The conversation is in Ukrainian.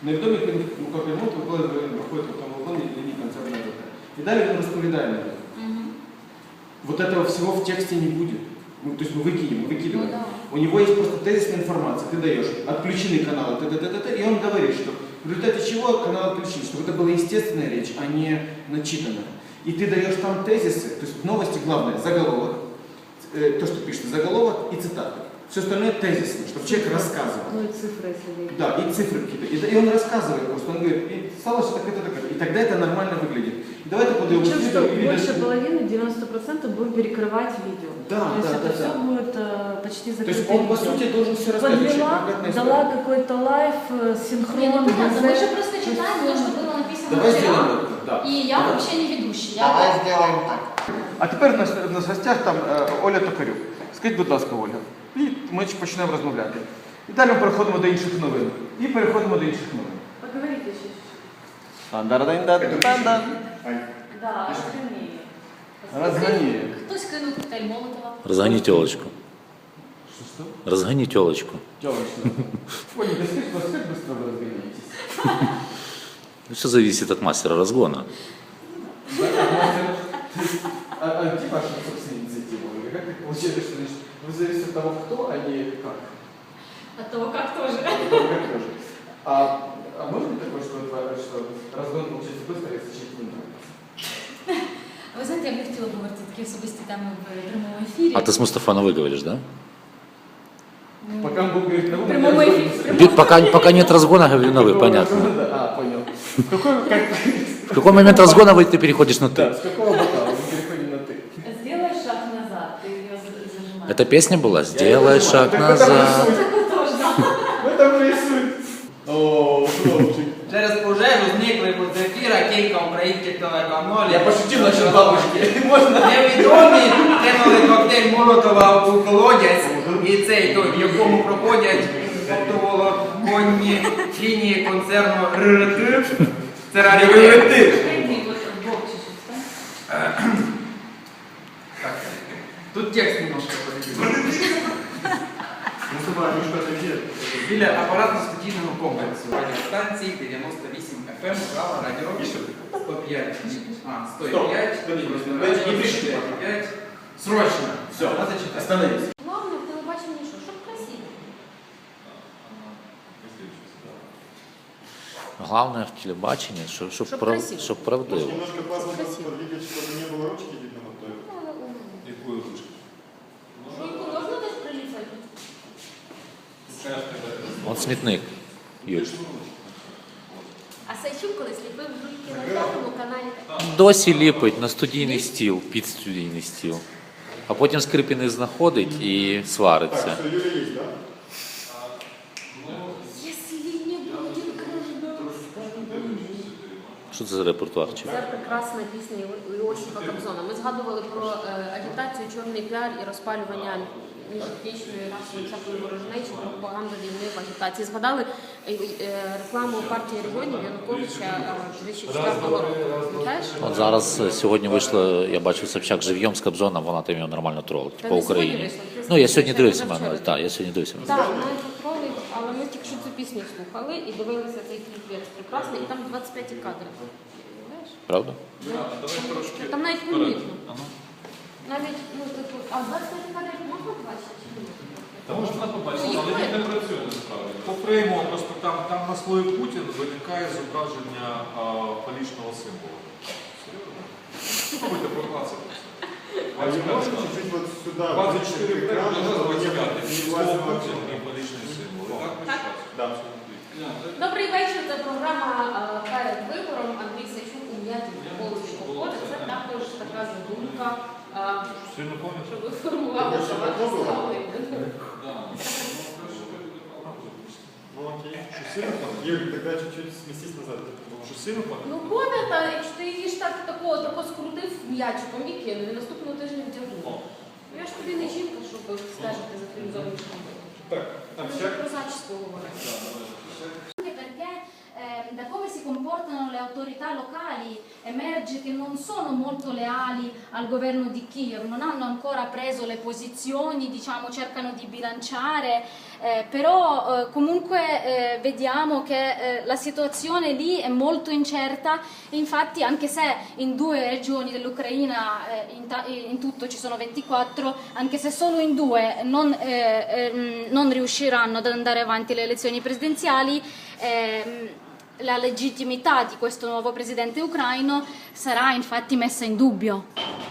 Невідомі ремонт виходить в тому вагоні лінії концертного ЖК. И далее он распределяем. Вот этого всего в тексте не будет. Ну, то есть мы выкидываем. Ну, да. У него есть просто тезисная информация. Ты даешь отключены каналы, и он говорит, что в результате чего канал отключен, чтобы это была естественная речь, а не начитанная. И ты даешь там тезисы, то есть в новости главное заголовок, то, что пишется, заголовок и цитаты. Все остальное тезисно, чтобы человек рассказывал. Ну и цифры, если Да, и цифры какие-то. И он рассказывает просто, он говорит, и стало что так это. И тогда это нормально выглядит. И давайте подаем причем, что видео. больше половины, 90% будем перекрывать видео. Да, то есть да, это все да. будет почти То закрытое есть он, по видео. сути, должен все рассказать. Подвела, дала какой-то лайв, синхрон. Не, ну понятно, мы ГЗ. же просто читаем то, что было написано Давай вчера. сделаем это, да. И я вообще не ведущий. Давай сделаем так. А тепер у нас в гостях там Оля Токарюк. Скажіть, будь ласка, Оля. І ми почнемо розмовляти. І далі ми переходимо до інших новин. І переходимо до інших новин. Поговорите еще Дан-дан-дан-дан-дан. Да, Розганіє. Хтось кинув коктейль Молотова. Разгони телочку. Що? Разгони телочку. Тёлочка. Оля, да скажи, вас как быстро вы разгоняетесь? Все зависит от мастера разгона. А где ваша собственная инициатива? Оля? Как так получается, что значит, вы зависите от того, кто, а не как? От того, как тоже. От того, как тоже. А может быть такое, что разгон получается быстро, если человек не нравится? Ви знаєте, я б не хотіла говорити такі особисті теми в прямому ефірі. А ты с Мустафа Новой говоришь, да? Пока он будет говорить на В прямому ефірі. Пока нет разгона, говорю Новый, понятно. А, понял. В какой момент разгона ты переходишь на Да, ты? с какого бокала мы переходим на ты? Сделай шаг назад, ты ее зажимаешь. Это песня была? Сделай шаг назад. В этом же и суть. О, хлопчик. Через пожежу зникли з ефіра кілька українських телеканалів. Я пошутил насчет бабушки. Можно? Невідомі кинули коктейль Молотова у колодязь, і цей той, в якому проходять оптоволоконні лінії концерну РРТ. Це раритет. Тут текст немножко подивився. Біля апаратно-студійного комплексу радіостанції 98 FM, права радіо 105, 105, 95. Срочно. Все, надо читать. Остановись. Главное в телебаченні що? Щоб красиво. Главное в телебачении, Чтоб чтобы красиво. правдиво. Немножко паспорт подвигать, чтобы не было ручки видно вот той. Якою ручкою? Жуйку можна десь приліпити? Он смітник, Юль. А Сайчук колись ліпив жуйки на п'ятому каналі. Досі ліпить на студійний стіл, під студійний стіл. А потім Скрипіний знаходить і свариться. Так, что Юля есть, да? Якщо не буде Що це за репертуарчик? Це прекрасна пісня Іосифа Кобзона. Ми згадували про агітацію, чорний піар і розпалювання міжетнічної расової всякої ворожнечі, пропаганду війни в агітації. Згадали рекламу партії регіонів Януковича 2004 року. Пам'ятаєш? От зараз сьогодні вийшло, я бачу Собчак живьом з Кобзоном, вона там його нормально тролить Та по не сьогодні Україні. вийшло, ти Ну, я сьогодні слухай, дивився, позавчора. так, я сьогодні дивився. Так, вона їх тролить, але ми тільки що цю пісню слухали і дивилися цей кліп прекрасний, і там 25 кадри. Знаєш? Правда? Там навіть помітно. Навіть, ну, типу, а 25 кадрів можна бачити чи ні? Та можна побачити, Ну, але їх він не працює насправді. По фрейму просто там на слові Путін виникає зображення фалічного символу. Серйозно? Спробуйте прокласити це. А не можем чуть-чуть вот сюда, 24 в экран, фрейму, чтобы не 25. не Слово влазило Путін в і фалічний символ. І так ми Так. щас. Да. Добрий вечір, це програма «Перед вибором». Андрій Сайчук у м'яті полості походить. Це також така задумка, Сильно пам'ятаю? щоб формувалося ваше ставлення. Ну окей. Юль, тогда чуть-чуть сместись назад. Що сильно пам'ятаю? Ну, пам'ята, якщо ти її ж так тако скрутив м'ячиком і кинув, і наступного тижня вдягнув. Ну, я ж тобі не жінка, щоб стежити за твоїм зовнішнім виглядом. Так, Ми вже про зачіску говоримо. Perché da come si comportano le autorità locali emerge che non sono molto leali al governo di Kiev, non hanno ancora preso le posizioni, diciamo cercano di bilanciare, però comunque vediamo che la situazione lì è molto incerta e infatti anche se in 2 regioni dell'Ucraina in tutto ci sono 24, anche se solo in 2 non riusciranno ad andare avanti le elezioni presidenziali, la legittimità di questo nuovo presidente ucraino sarà infatti messa in dubbio.